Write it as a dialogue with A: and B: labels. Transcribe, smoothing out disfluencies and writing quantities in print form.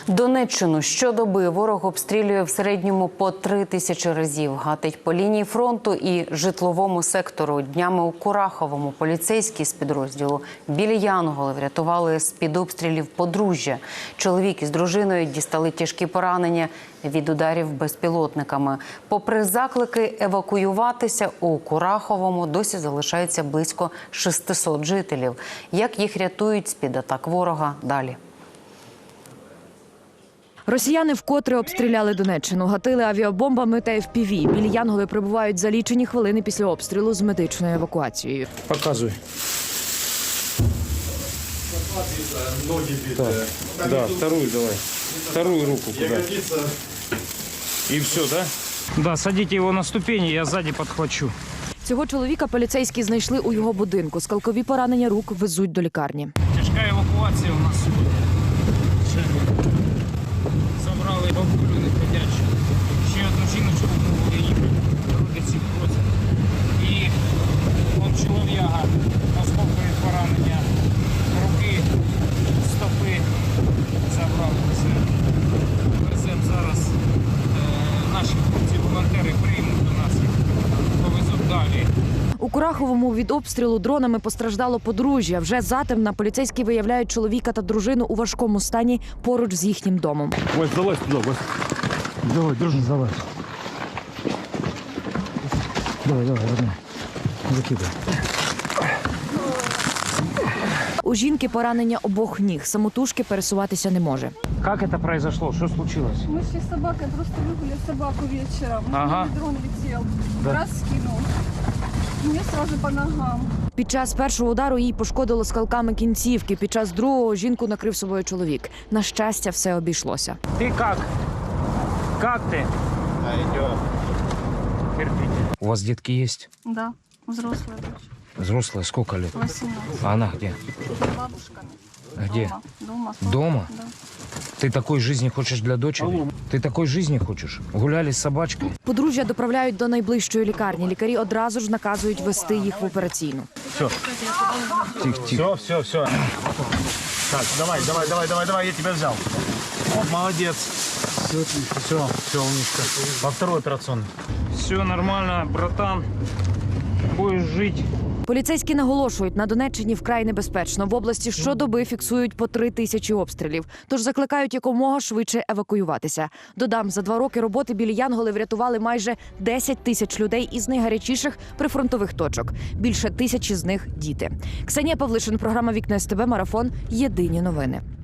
A: Донеччину щодоби ворог обстрілює в середньому по 3000 разів. Гатить по лінії фронту і житловому сектору. Днями у Кураховому поліцейські з підрозділу «Білі Янголи» врятували з-під обстрілів подружжя. Чоловік із дружиною дістали тяжкі поранення від ударів безпілотниками. Попри заклики евакуюватися, у Кураховому досі залишається близько 600 жителів. Як їх рятують з-під атак ворога – далі.
B: Росіяни вкотре обстріляли Донеччину, гатили авіабомбами та FPV. Білі Янголи прибувають за лічені хвилини після обстрілу з медичною евакуацією.
C: Показуй. Да, вторую давай. Вторую руку куда. И все, да?
D: Да, садите его на ступені, я сзади подхвачу.
B: Цього чоловіка поліцейські знайшли у його будинку. Скалкові поранення рук везуть до лікарні.
D: Тяжка евакуація у нас сьогодні. Забрали бабулю неходячу. Ще одну жіночку було їхати. Руки ці просять. І он чолов'яга, осколкові поранення. Руки, стопи забрали. Веземо зараз. Наші хлопці-волонтери приймуть до нас їх. Повезуть далі.
B: У Кураховому від обстрілу дронами постраждало подружжя. Вже затемна поліцейські виявляють чоловіка та дружину у важкому стані поруч з їхнім домом.
C: Ой, залазь туда, Вась. Давай, дружно, залазь. Давай, родной. Закидай.
B: У жінки поранення обох ніг. Самотужки пересуватися не може.
D: Как это произошло? Что случилось?
E: Мы шли с собакой, просто выгуляли собаку вечером.
D: Ага.
E: Дрон летел,
D: Да.
E: раз скинул. Мне сразу по ногам.
B: Під час першого удару їй пошкодило скалками кінцівки. Під час другого жінку накрив собою чоловік. На щастя, все обійшлося.
D: Ты как? Как ты? Терпите. У вас детки есть?
E: Да, взрослая дочь,
D: Взрослая, сколько лет?
E: 18.
D: А она где?
E: С бабушками.
D: Где?
E: Дома.
D: Дома?
E: Да.
D: Ты такой жизни хочешь для дочери? Ты такой жизни хочешь? Гуляли с собачкой?
B: Подружжя доправляють до найближчої лікарні. Лікарі одразу ж наказують вести їх в операційну.
C: Тихо. Все. Так, давай, я тебя взял. Молодец. Все, умничка. Во второй операционный.
D: Все нормально, братан. Будешь жить.
B: Поліцейські наголошують, на Донеччині вкрай небезпечно. В області щодоби фіксують по 3000 обстрілів. Тож закликають якомога швидше евакуюватися. Додам, за 2 роки роботи «Білі Янголи» врятували майже 10 тисяч людей із найгарячіших прифронтових точок. Більше 1000 з них – діти. Ксенія Павлишин, програма «Вікна СТБ», марафон. Єдині новини.